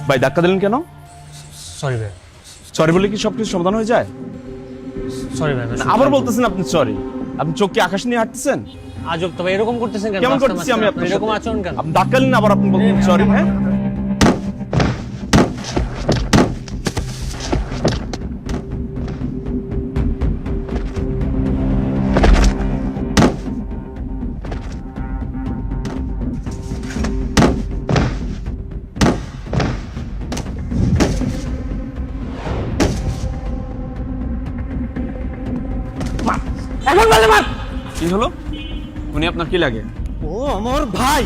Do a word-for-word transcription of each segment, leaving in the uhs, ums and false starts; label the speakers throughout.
Speaker 1: ভাই ধাক্কা দিলেন কেন?
Speaker 2: সরি ভাই।
Speaker 1: সরি বলে কি সবকিছু সমাধান হয়ে যায়?
Speaker 2: সরি ভাই।
Speaker 1: আবার বলতেছেন আপনি সরি? আপনি চোখ কি আকাশ নিয়ে হাঁটতেছেন?
Speaker 2: আজব তো ভাই, এরকম করতেছেন কেন?
Speaker 1: কেমন করতেছি আমি আপনার
Speaker 2: এরকম
Speaker 1: সাথে?
Speaker 2: আচরণ কেন?
Speaker 1: আপনি ধাক্কা দিলেন আবার আপনি বলতেন সরি। হ্যাঁ
Speaker 2: এখন বলে মার।
Speaker 1: কি হলো? উনি আপনার কি লাগে?
Speaker 2: ও আমার ভাই।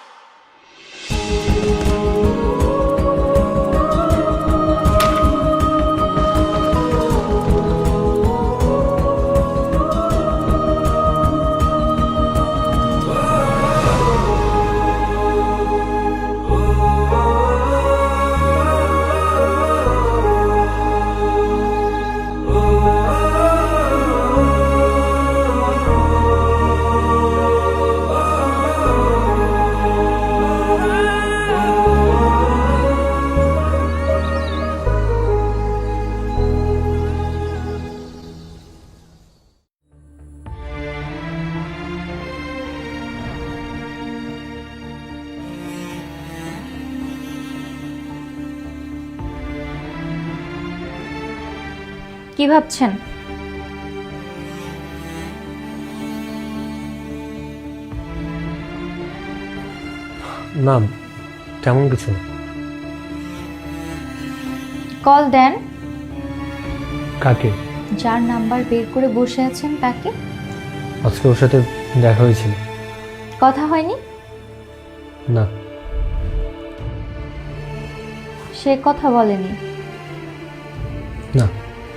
Speaker 3: কি ভাবছেন?
Speaker 2: না, তেমন কিছু না।
Speaker 3: কল দেন।
Speaker 2: কাকে?
Speaker 3: যার নাম্বার বের করে বসে আছেন তাকে।
Speaker 2: আজকে ওর সাথে দেখা হয়েছিল।
Speaker 3: কথা হয়নি?
Speaker 2: না।
Speaker 3: সে কথা বলেনি?
Speaker 2: না।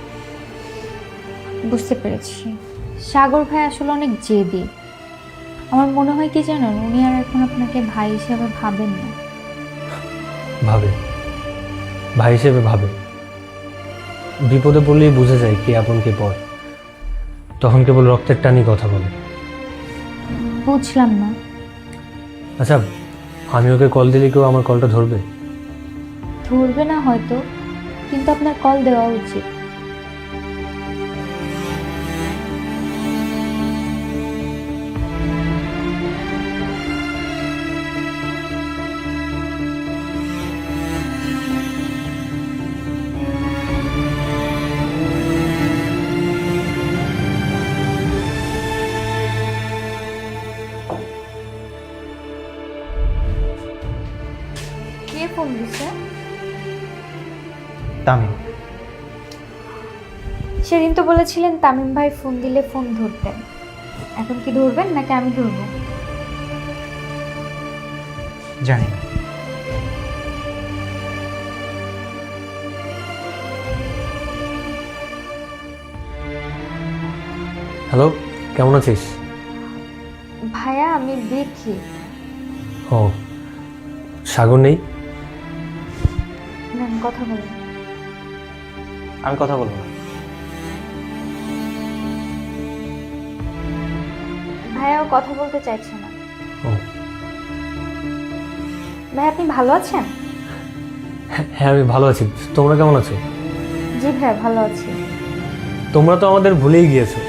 Speaker 3: বুঝতে পেরেছি। সাগর ভাই আসলে অনেক জেদি। আমার মনে হয় কি জানেন, উনি আর এখন আপনাকে ভাই হিসেবে ভাবেন না।
Speaker 2: ভাবে, ভাই হিসেবে ভাবে। বিপদে পড়লেই বুঝে যায় কে আপন কে পর। তখন কেবল রক্তের টানি কথা বলে।
Speaker 3: বুঝলাম না।
Speaker 2: আচ্ছা, আমি ওকে কল দিলে কেউ আমার কলটা ধরবে?
Speaker 3: ধরবে না হয়তো, কিন্তু আপনার কল দেওয়া উচিত। কে ফোন দিছে?
Speaker 4: তামিম।
Speaker 3: সেদিন তো বলেছিলেন তামিম ভাই ফোন দিলে ফোন ধরতেন। এখন কি ধরবেন নাকি আমি ধরবো?
Speaker 4: জানি না।
Speaker 2: হ্যালো, কেমন আছিস?
Speaker 3: ভাইয়া আমি দেখি।
Speaker 2: ও, সাগর নেই?
Speaker 3: নেন কথা বলুন।
Speaker 4: আমি কথা বলবো না।
Speaker 3: ভাইয়াও কথা বলতে চাইছে না।
Speaker 2: ও
Speaker 3: ভাই আপনি ভালো আছেন?
Speaker 2: হ্যাঁ, আমি ভালো আছি। তোমরা কেমন আছো?
Speaker 3: জি ভাইয়া ভালো আছি।
Speaker 2: তোমরা তো আমাদের ভুলেই গিয়েছো।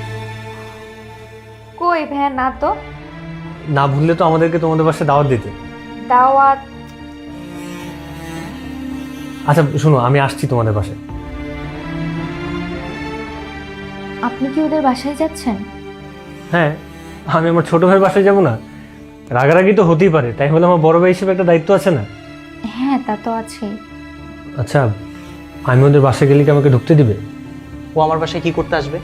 Speaker 3: কই ভাইয়া, না তো।
Speaker 2: না ভুললে তো আমাদেরকে তোমাদের বাসায় দাওয়াত দিতে।
Speaker 3: দাওয়াত?
Speaker 2: আচ্ছা শোনো, আমি আসছি তোমাদের বাসায়।
Speaker 3: আপনি কি ওদের বাসায় যাচ্ছেন?
Speaker 2: হ্যাঁ, আমি আমার ছোট ভাইয়ের বাসায় যাবো না? রাগারাগি তো হতেই পারে, তাই বলে আমার বড় ভাই হিসেবে একটা দায়িত্ব আছে না?
Speaker 3: হ্যাঁ তা তো আছেই।
Speaker 2: আচ্ছা, আমি ওদের বাসায় গেলে কি আমাকে ঢুকতে দিবে?
Speaker 4: ও আমার বাসায় কি করতে আসবে?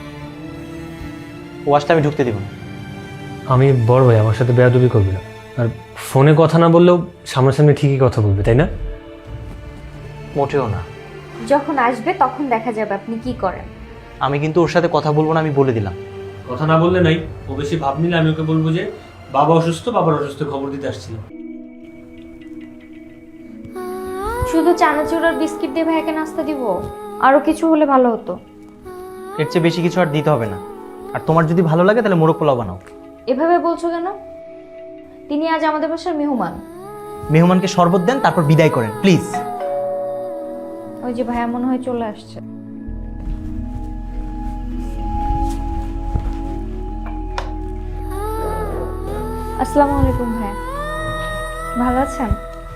Speaker 4: ও আসলে আমি ঢুকতে দিব না।
Speaker 2: আমি বড় ভাই, আমার সাথে বেয়াদবি করবে না। আর ফোনে কথা না বললেও সামনাসামনি ঠিকই কথা বলবে, তাই না?
Speaker 4: মোটেও না।
Speaker 3: যখন আসবে তখন দেখা যাবে আপনি কি করেন।
Speaker 4: আমি কিন্তু ওর সাথে কথা বলবো না, আমি বলে দিলাম।
Speaker 2: কথা না বললে নাই, ও বেশি ভাব নিলে আমি ওকে বলবো যে বাবা অসুস্থ, বাবার অসুস্থ খবর দিতে আসছিলাম।
Speaker 3: শুধু চানাচুর আর বিস্কিট দিয়ে ভাইকে নাস্তা দিব? আরো কিছু হলে ভালো হতো।
Speaker 4: এর চেয়ে বেশি কিছু আর দিতে হবে না। আর তোমার যদি ভালো লাগে তাহলে মোরগ পোলাও বানাও।
Speaker 3: এভাবে বলছো কেন? তিনি আজ আমাদের বাসার মেহমান।
Speaker 4: মেহমানকে শরবত দেন, তারপর বিদায় করেন প্লিজ।
Speaker 3: ওই যে ভাইয়া মনে হয় চলে আসছে। আসসালামু আলাইকুম ভাইয়া, ভালো আছেন?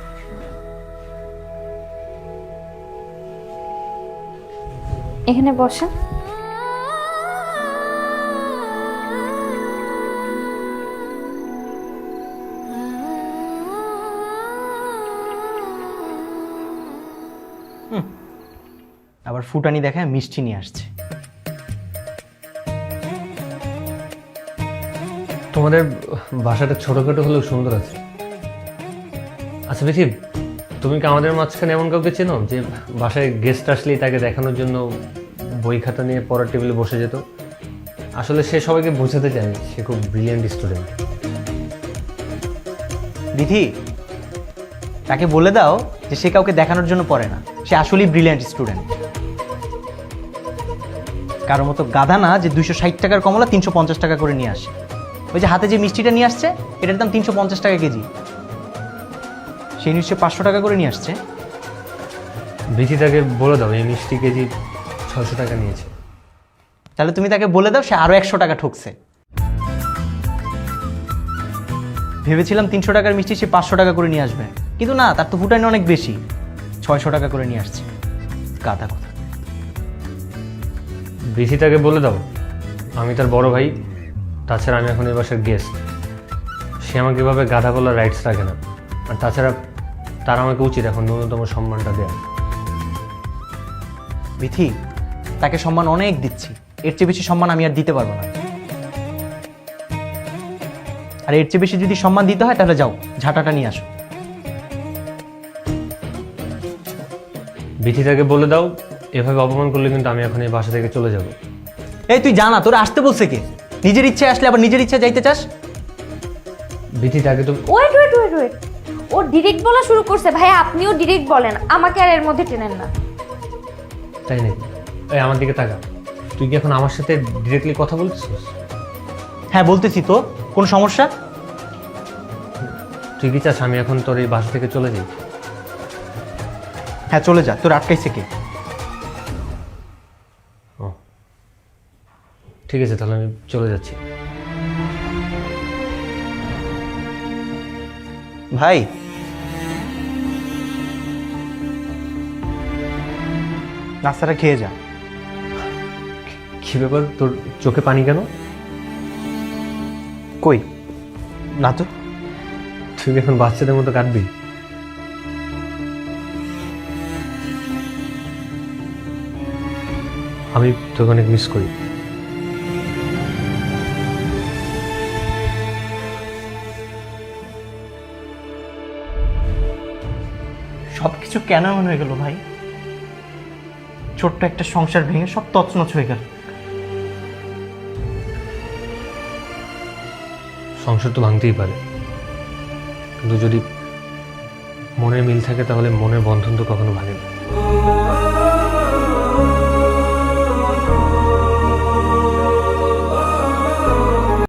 Speaker 3: এখানে বসেন।
Speaker 4: আবার ফুটানি দেখায় মিষ্টি নিয়ে আসছে।
Speaker 2: তোমাদের বাসাটা ছোটখাটো হলেও সুন্দর আছে। আচ্ছা বেশি, তুমি কি আমাদের মাঝখানে এমন কাউকে চেনো যে বাসায় গেস্ট আসলেই তাকে দেখানোর জন্য বই খাতা নিয়ে পড়ার টেবিলে বসে যেত? আসলে সে সবাইকে বোঝাতে চায় সে খুব ব্রিলিয়েন্ট স্টুডেন্ট।
Speaker 4: দিদি, তাকে বলে দাও যে সে কাউকে দেখানোর জন্য পড়ে না, সে আসলেই ব্রিলিয়ান্ট স্টুডেন্ট। কারো মতো গাধা না যে দুইশো ষাট টাকার কমলা তিনশো পঞ্চাশ টাকা করে নিয়ে আসে। ওই যে হাতে যে মিষ্টিটা নিয়ে আসছে, এটার দাম তিনশো পঞ্চাশ টাকা কেজি, সেই নিশ্চয় পাঁচশো টাকা করে নিয়ে আসছে।
Speaker 2: বিচি তাকে বলে দাও এই মিষ্টি কেজি ছয়শো টাকা নিয়েছে।
Speaker 4: তাহলে তুমি তাকে বলে দাও সে আরো একশো টাকা ঠকছে। ভেবেছিলাম তিনশো টাকার মিষ্টি সে পাঁচশো টাকা করে নিয়ে আসবে, কিন্তু না, তার তো ফুটানি অনেক বেশি, ছয়শো টাকা করে নিয়ে আসছে। গাধা কথা।
Speaker 2: বিচি তাকে বলে দাও আমি তার বড় ভাই, তাছাড়া আমি এখন এই বাসার গেস্ট। সে আমাকে এভাবে গাধা বলার রাইটস রাখে না, আর তাছাড়া তার আমাকে উচিত এখন ন্যূনতম সম্মানটা দেওয়া।
Speaker 4: বিথি, তাকে সম্মান অনেক দিচ্ছি, এর চেয়ে বেশি সম্মান আমি আর দিতে পারবো না। আর এর চেয়ে বেশি যদি সম্মান দিতে হয় তাহলে যাও, ঝাঁটাটা নিয়ে আসো।
Speaker 2: বিথি তাকে বলে দাও এভাবে অপমান করলে কিন্তু আমি এখন এই বাসা থেকে চলে যাব।
Speaker 4: এই তুই জানা তোরা আসতে বলছে কে? নিজের ইচ্ছে আসলে আবার নিজের ইচ্ছে যাইতে চাস?
Speaker 2: বিথি তাকে তো
Speaker 3: ওয়েট ওয়েট ওয়েট ওয়েট ও ডিরেক্ট বলা শুরু করছে। ভাইয়া আপনিও ডিরেক্ট বলেন, আমাকে আর এর মধ্যে টেনেন না।
Speaker 2: তাই নাকি? এই আমার দিকে তাকা, তুই কি এখন আমার সাথে ডিরেক্টলি কথা বলছিস?
Speaker 4: হ্যাঁ বলতেছি তো, কোনো সমস্যা?
Speaker 2: তুই কি চাস আমি এখন তোর এই বাসা থেকে চলে যাই?
Speaker 4: হ্যাঁ চলে যা, তোর আটকাইছে কে?
Speaker 2: ও ঠিক আছে, তাহলে আমি চলে যাচ্ছি।
Speaker 4: ভাই, নাস্তাটা খেয়ে যা।
Speaker 2: কি ব্যাপার, তোর চোখে পানি কেন?
Speaker 4: কই না তো।
Speaker 2: তুই কি এখন বাচ্চাদের মতো কাটবি? আমি তোকে অনেক মিস করি।
Speaker 4: সবকিছু কেন এমন হয়ে গেল ভাই? ছোট্ট একটা সংসার ভেঙে সব তছনছ হয়ে গেল।
Speaker 2: সংসার তো ভাঙতেই পারে, কিন্তু যদি মনের মিল থাকে তাহলে মনের বন্ধন তো কখনো ভাঙে না।